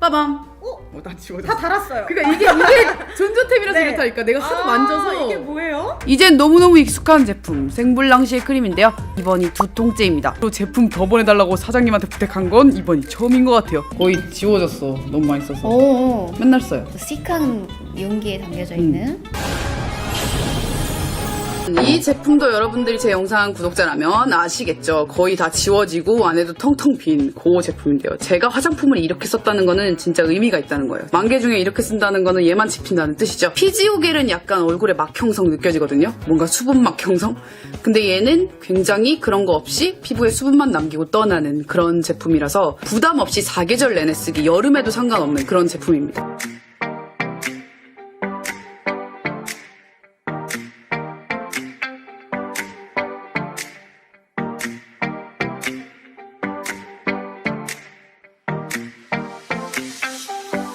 빠밤. 나 지워졌어. 다 달았어요. 그러니까 이게 전자템이라서 네. 이렇다니까. 내가 하도 만져서. 이게 뭐예요? 이젠 너무너무 익숙한 제품 생블랑시의 크림인데요. 이번이 2통째입니다. 또 제품 더 보내달라고 사장님한테 부탁한 건 이번이 처음인 것 같아요. 거의 지워졌어. 너무 많이 써서. 오. 맨날 써요. 시크한 용기에 담겨져 있는. 이 제품도 여러분들이 제 영상 구독자라면 아시겠죠? 거의 다 지워지고 안에도 텅텅 빈 그 제품인데요. 제가 화장품을 이렇게 썼다는 거는 진짜 의미가 있다는 거예요. 만개 중에 이렇게 쓴다는 거는 얘만 집힌다는 뜻이죠. 피지오겔은 약간 얼굴에 막 형성 느껴지거든요. 뭔가 수분 막 형성? 근데 얘는 굉장히 그런 거 없이 피부에 수분만 남기고 떠나는 그런 제품이라서 부담 없이 사계절 내내 쓰기, 여름에도 상관없는 그런 제품입니다.